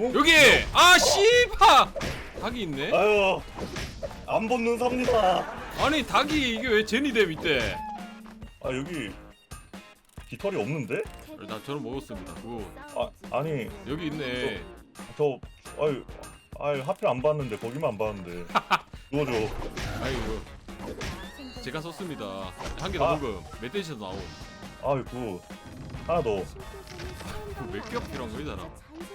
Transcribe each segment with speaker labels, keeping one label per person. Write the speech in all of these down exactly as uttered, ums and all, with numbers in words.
Speaker 1: 여기! 아 씨바! 닭이 있네?
Speaker 2: 아유 안 붙는 삽니다.
Speaker 1: 아니 닭이 이게 왜 제니대 밑에?
Speaker 2: 아 여기 깃털이 없는데?
Speaker 1: 나 저는 먹었습니다. 굿.
Speaker 2: 아 아니
Speaker 1: 여기 있네.
Speaker 2: 저 아유 아유 하필 안 봤는데 거기만 안 봤는데 누워줘.
Speaker 1: 아이고 제가 썼습니다. 한 개 더
Speaker 2: 아.
Speaker 1: 먹음. 멧돼지에서 나옴.
Speaker 2: 아이고 하나 더.
Speaker 1: 몇 겹 필요한 거 이 사람?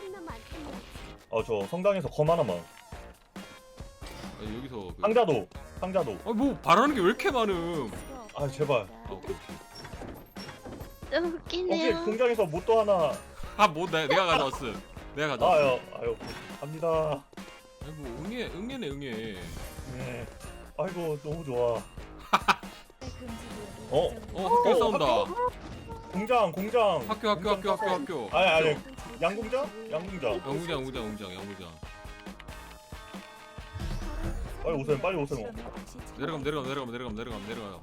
Speaker 2: 아 저 성당에서 검 하나만.
Speaker 1: 아니, 여기서 그...
Speaker 2: 상자도 상자도.
Speaker 1: 아뭐 바라는 게 왜 이렇게 많음?
Speaker 2: 아 제발.
Speaker 1: 아 오케이 오케이.
Speaker 3: 좀
Speaker 2: 혹시
Speaker 3: 웃기네요.
Speaker 2: 공장에서 못도 하나.
Speaker 1: 아뭐 내가 가져왔음. 내가 가져왔음.
Speaker 2: 아유 아유 갑니다.
Speaker 1: 아이고 응애 응애네 응애.
Speaker 2: 네. 아이고 너무 좋아. 어?
Speaker 1: 어 학교
Speaker 2: 어,
Speaker 1: 싸운다.
Speaker 2: 학교? 공장 공장.
Speaker 1: 학교 학교 학교 학교 학교.
Speaker 2: 아니 아니 양공장? 양공장.
Speaker 1: 영구장 영구장 영구장 영구장.
Speaker 2: 빨리 오세요 빨리 오세요.
Speaker 1: 내려가면 내려가면 내려가면 내려가면 내려가면 내려가요.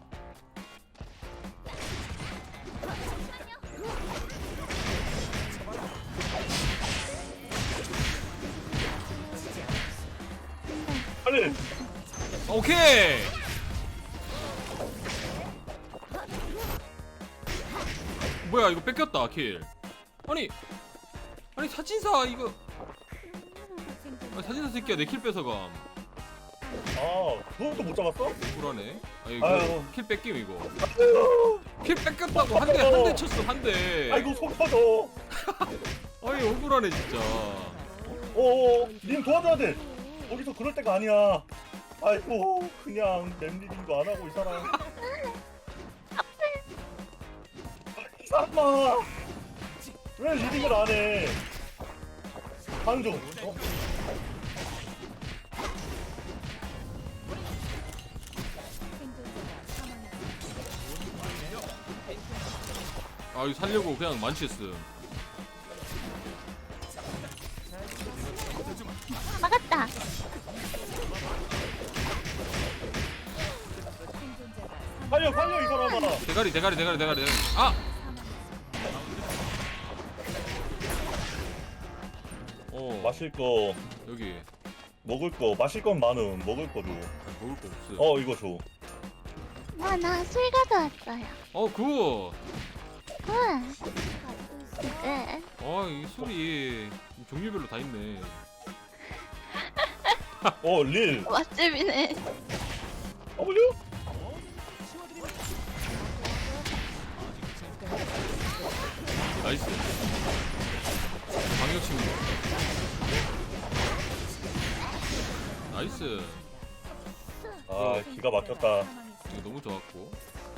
Speaker 2: 빨리.
Speaker 1: 오케이. 뭐야 이거 뺏겼다 킬. 아니 아니 사진사 이거 아니, 사진사 새끼야 내 킬 뺏어감.
Speaker 2: 아 그것도 못 잡았어?
Speaker 1: 불안해. 아 이거
Speaker 2: 아유.
Speaker 1: 킬 뺏김 이거.
Speaker 2: 아유.
Speaker 1: 킬 뺏겼다고 한 대 한 대 쳤어 한 대.
Speaker 2: 아이고 속 터져.
Speaker 1: 아이 억울하네 진짜.
Speaker 2: 어어 님 도와줘야 돼. 거기서 그럴 때가 아니야. 아이고 그냥 램리딩도 안 하고 이 사람. 이 사람아 왜 리딩을 안 해? 하는 중. 어?
Speaker 1: 아 이거 살려고 그냥 만취했음.
Speaker 3: 막았다.
Speaker 2: 살려 살려 이 사람아.
Speaker 1: 대가리 대가리 대가리 대가리 대가리. 아! 어
Speaker 2: 마실 거
Speaker 1: 여기
Speaker 2: 먹을 거 마실 건 많음. 먹을 거 줘.
Speaker 1: 아, 먹을 거 없어.
Speaker 2: 어 이거 줘.
Speaker 3: 와, 나 술 가져왔어요.
Speaker 1: 어 굿.
Speaker 3: 우와. 네.
Speaker 1: 아이 술이 종류별로 다 있네.
Speaker 2: 어 릴.
Speaker 3: 맛집이네.
Speaker 2: W?
Speaker 1: 나이스. 방역 친구. 나이스.
Speaker 2: 아 기가 막혔다.
Speaker 1: 이거 너무 좋았고.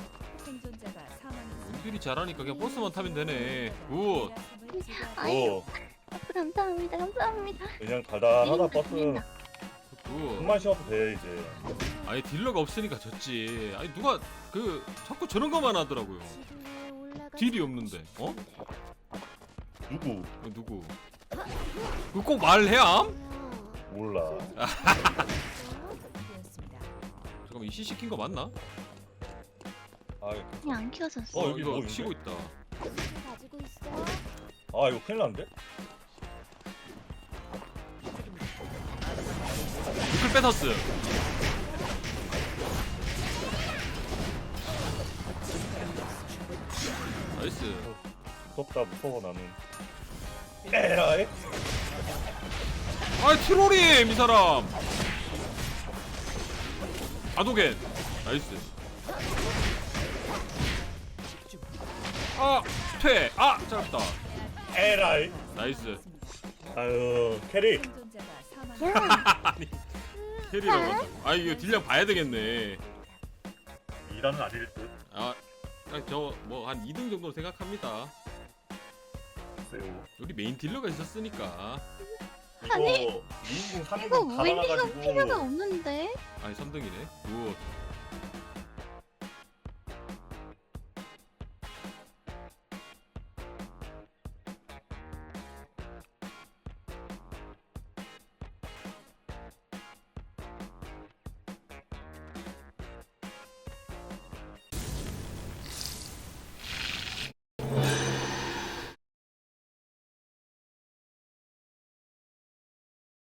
Speaker 1: 원딜이 잘하니까 그냥 버스만 타면 되네. 굿.
Speaker 3: 아유,
Speaker 2: 어
Speaker 3: 감사합니다. 감사합니다.
Speaker 2: 그냥 달달하다 버스.
Speaker 3: 감사합니다.
Speaker 1: 굿.
Speaker 2: 숨만 쉬어도 돼 이제.
Speaker 1: 아니 딜러가 없으니까 졌지. 아니 누가 그 자꾸 저런 거만 하더라고요. 딜이 없는데. 어?
Speaker 2: 누구?
Speaker 1: 이거 누구? 그거 꼭 말해암?
Speaker 2: 몰라.
Speaker 1: 잠깐만 이 씨 시킨 거 맞나?
Speaker 2: 아,
Speaker 3: 그냥 안 키워졌어.
Speaker 2: 어, 여기
Speaker 1: 이거
Speaker 2: 뭐 있는데?
Speaker 1: 치고 있다.
Speaker 2: 아 이거 큰일 났는데?
Speaker 1: 미클 뺏었음. 나이스.
Speaker 2: 무섭다 무서워 나는. 에라이.
Speaker 1: 아이 트롤임 이 사람. 아도겐. 나이스. 아 퇴. 아 짧다.
Speaker 2: 에라이.
Speaker 1: 나이스.
Speaker 2: 아유 캐리.
Speaker 1: 아니 캐리라고 한다고. 아 이거 딜량 봐야 되겠네.
Speaker 2: 이라는 아닐 듯.
Speaker 1: 아 저 뭐 한 이 등 정도 생각합니다.
Speaker 2: 글쎄요.
Speaker 1: 우리 메인 딜러가 있었으니까.
Speaker 2: 이거
Speaker 3: 아니,
Speaker 2: 이인공
Speaker 3: 이거
Speaker 2: 삼인공 다
Speaker 3: 윈디가
Speaker 2: 나가가지고.
Speaker 3: 필요가 없는데?
Speaker 1: 아니 삼 등이네. 굿.